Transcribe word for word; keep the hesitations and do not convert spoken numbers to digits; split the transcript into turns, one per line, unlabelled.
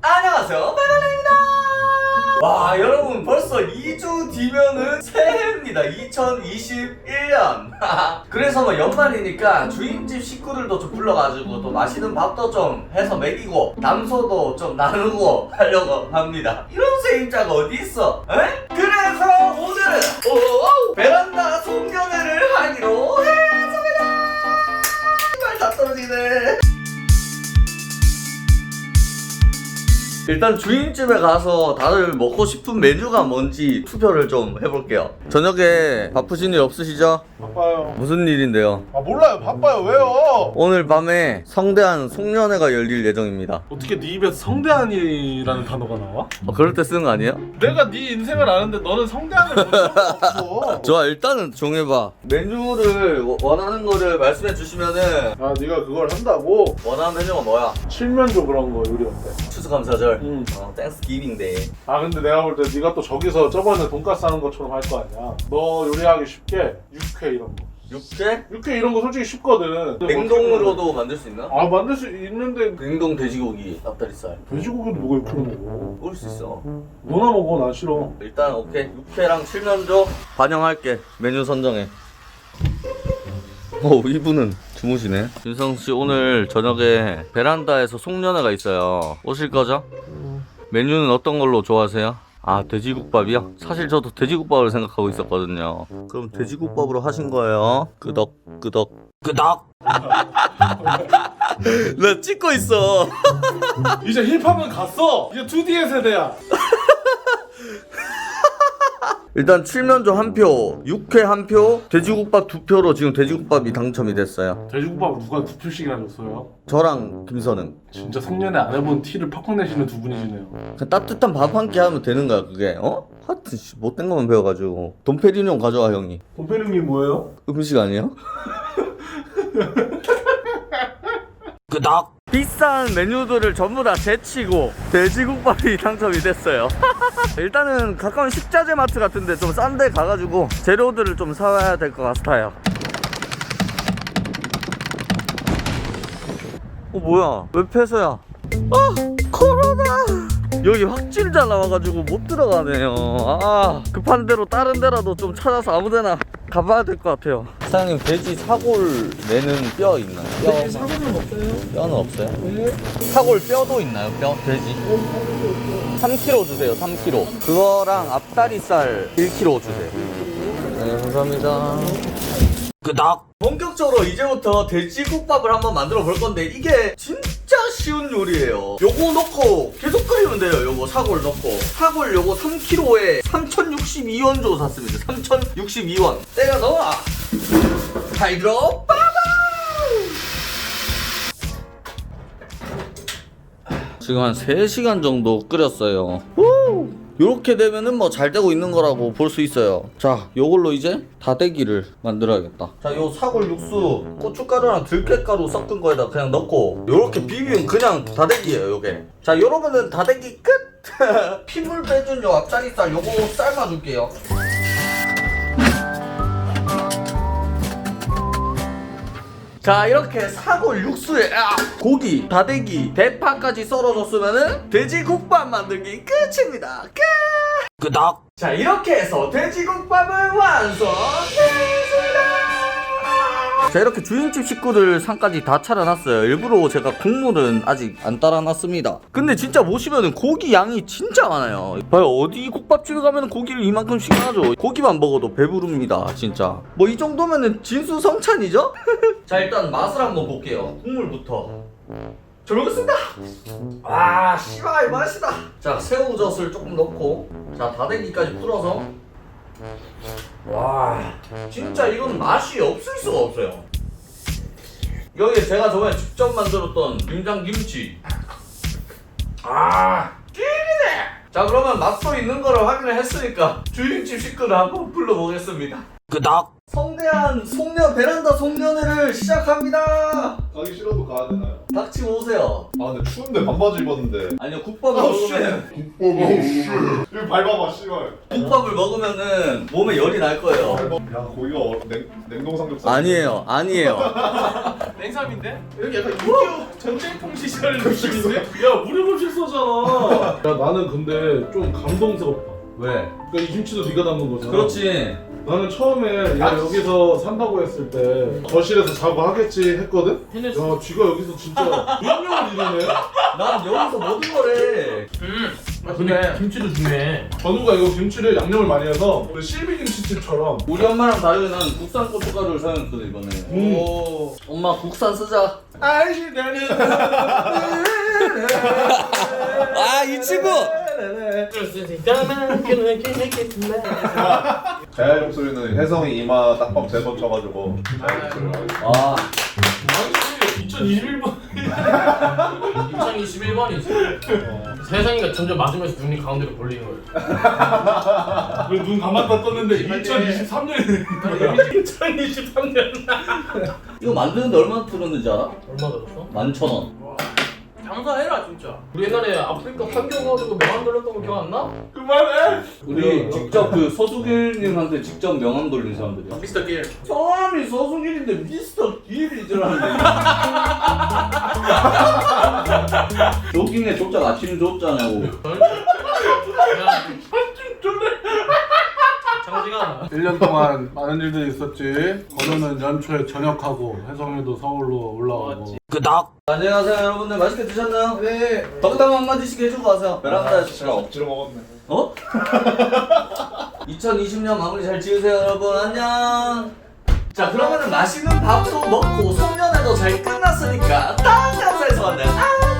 안녕하세요, 베란다입니다. 와, 여러분 벌써 이 주 뒤면은 새해입니다. 이천이십일 년. 그래서 뭐 연말이니까 주인집 식구들도 좀 불러가지고 또 맛있는 밥도 좀 해서 먹이고 담소도 좀 나누고 하려고 합니다. 이런 세입자가 어디 있어? 에? 그래서 오늘은 오, 베란다 송년회를 하기로 했습니다. 말 다 떨어지네. 일단 주인집에 가서 다들 먹고 싶은 메뉴가 뭔지 투표를 좀 해볼게요. 저녁에 바쁘신 일 없으시죠?
바빠요.
무슨 일인데요?
아 몰라요. 바빠요. 왜요?
오늘 밤에 성대한 송년회가 열릴 예정입니다.
어떻게 네 입에서 성대한이라는 단어가 나와?
어, 그럴 때 쓰는 거 아니에요?
내가 네 인생을 아는데 너는 성대한을 본 적은 없어.
좋아, 일단은 정해봐. 메뉴를 워- 원하는 거를 말씀해 주시면은
아 네가 그걸 한다고?
원하는 메뉴가 뭐야?
칠면조 그런 거 요리 어때?
추수감사절.
응.
어, 땡스기빙 데이.
아 근데 내가 볼 때 네가 또 저기서 저번에 돈가스 하는 것처럼 할 거 아니야. 너 요리하기 쉽게 육회 이런 거.
육회?
육회 이런 거 솔직히 쉽거든.
냉동으로도 만들 수 있나?
아 만들 수 있는데
냉동 돼지고기, 앞다리살.
돼지고기도 뭐가 육회로 먹어?
먹을 수 있어.
너나 먹어. 난 싫어.
일단 오케이, 육회랑 칠면조 반영할게. 메뉴 선정해. 오, 이분은 주무시네. 윤성씨 오늘 저녁에 베란다에서 송년회가 있어요. 오실 거죠? 메뉴는 어떤 걸로 좋아하세요? 아, 돼지국밥이요? 사실 저도 돼지국밥을 생각하고 있었거든요. 그럼 돼지국밥으로 하신 거예요? 끄덕 끄덕 끄덕. 나 찍고 있어.
이제 힙합은 갔어. 이제 투디의 세대야.
일단 칠면조 한 표, 육회 한 표, 돼지국밥 두 표로 지금 돼지국밥이 당첨이 됐어요.
돼지국밥 누가 두 표씩이나 줬어요?
저랑 김선웅.
진짜 성년회 안 해본 티를 팍팍 내시는 두 분이시네요.
그냥 따뜻한 밥 한 끼 하면 되는 거야 그게. 어? 하여튼 씨, 못된 것만 배워가지고. 돈페리뇽 가져와 형이.
곰페님이 뭐예요?
음식 아니에요? 끄덕. 비싼 메뉴들을 전부 다 제치고 돼지국밥이 당첨이 됐어요. 일단은 가까운 식자재 마트 같은데 좀 싼 데 가가지고 재료들을 좀 사와야 될 것 같아요. 어 뭐야, 왜 폐쇄야? 아, 코로나. 여기 확진자 나와가지고 못 들어가네요. 아, 급한 대로 다른 데라도 좀 찾아서 아무데나 가봐야 될 것 같아요. 사장님, 돼지 사골 내는 뼈 있나요? 뼈.
돼지 사골은 없어요.
뼈는 없어요?
네.
사골 뼈도 있나요? 뼈? 돼지? 삼 킬로그램 주세요. 삼 킬로그램. 그거랑 앞다리살 일 킬로그램 주세요. 네, 감사합니다. 끄덕. 본격적으로 이제부터 돼지국밥을 한번 만들어 볼 건데 이게 진짜 쉬운 요리예요. 요거 넣고 계속 끓이면 돼요. 요거 사골 넣고 사골 요거 삼 킬로그램에 삼천육십이 원 주고 샀습니다. 삼천육십이 원. 때려 넣어. 잘 들어. 빠밤. 지금 한 세 시간 정도 끓였어요. 우! 요렇게 되면은 뭐 잘 되고 있는 거라고 볼 수 있어요. 자, 요걸로 이제 다대기를 만들어야겠다. 자, 요 사골 육수 고춧가루랑 들깨가루 섞은 거에다 그냥 넣고 요렇게 비비면 그냥 다대기예요, 요게. 자, 요러면은 다대기 끝! 피물 빼준 요 앞자리살 요거 삶아줄게요. 자, 이렇게 사골 육수에 아, 고기, 다대기, 대파까지 썰어줬으면은 돼지국밥 만들기 끝입니다. 끝! 끄덕! 자, 이렇게 해서 돼지국밥을 완성했습니다. 자, 이렇게 주인집 식구들 상까지 다 차려놨어요. 일부러 제가 국물은 아직 안 따라놨습니다. 근데 진짜 보시면은 고기 양이 진짜 많아요. 봐요, 어디 국밥집에 가면 고기를 이만큼씩 하죠. 고기만 먹어도 배부릅니다, 진짜. 뭐 이 정도면은 진수성찬이죠? 자, 일단 맛을 한번 볼게요. 국물부터. 잘 먹겠습니다. 와, 씨발 맛있다. 자, 새우젓을 조금 넣고, 자, 다대기까지 풀어서. 와, 진짜 이건 맛이 없을 수가 없어요. 여기에 제가 저번에 직접 만들었던 김장김치. 아, 찌리네. 자, 그러면 맛도 있는 거를 확인을 했으니까 주인집 식구를 한번 불러보겠습니다. 끄덕. 성대한 송년 베란다 송년회를 시작합니다.
가기 싫어도 가야 되나요?
닥치고 오세요.
아 근데 추운데 반바지 입었는데.
아니요, 국밥을
아우,
먹으면
여기 밟아봐 씨발.
국밥을 먹으면은 몸에 열이 날 거예요.
야 고기가 어, 냉, 냉동 삼겹살.
아니에요, 아니에요.
냉삼인데? 여기 약간 육이오 전쟁통 시절 느낌인데? 야 무료급식 써잖아. 야 나는 근데 좀 감동스럽다.
왜?
그러니까 이 김치도 네가 담근 거잖아.
그렇지.
나는 처음에 얘가 여기서 산다고 했을 때 거실에서 자고 하겠지 했거든? 야 쥐가 여기서 진짜 운명을 이루네.
난 여기서 모든 거래.
음. 아, 근데 김치도 중요해.
건우가 이거 김치를 양념을 많이 해서 우리 실비 김치집처럼
우리 엄마랑 다르게 난 국산 고춧가루를 사용했거든 이번에.
음.
오.
엄마 국산 쓰자.
아이씨 나는
아 이 친구.
자야 목소리는 혜성이 이마 딱밤 세 번 쳐가지고 자야 목소리를 하고.
아
이천이십일 번. 이천이십일 번이지. 세상이가 점점 맞으면서 눈이 가운데로 몰리는 거야.
눈 감았다 떴는데 이천이십삼 년이
이천이십삼 년.
이거 만드는데 얼마 들었는지 알아?
얼마 들었어?
만천 원.
장사해라 진짜. 우리 옛날에 아프리카 환경 가지고 명함 돌렸던 거 기억 안 나?
그만해.
우리 직접 그 서수길님한테 직접 명함 돌린 사람들이야.
미스터 길.
성함이 서수길인데 미스터 길이더라는데. 조깅에 조짝 아침 조자냐고.
야. 장지가.
일 년 동안 많은 일들이 있었지. 건우는 연초에 전역하고 혜성이도 서울로 올라가고.
끄덕. 안녕하세요 여러분들, 맛있게 드셨나요?
네.
덕담 한마디씩 해주고 가세요. 베란다에서
제가 억지로 먹었네.
어? 이천이십 년 마무리 잘 지으세요 여러분. 안녕. 자 그러면은 맛있는 밥도 먹고 송년회도 잘 끝났으니까 다음 영상에서 만나요.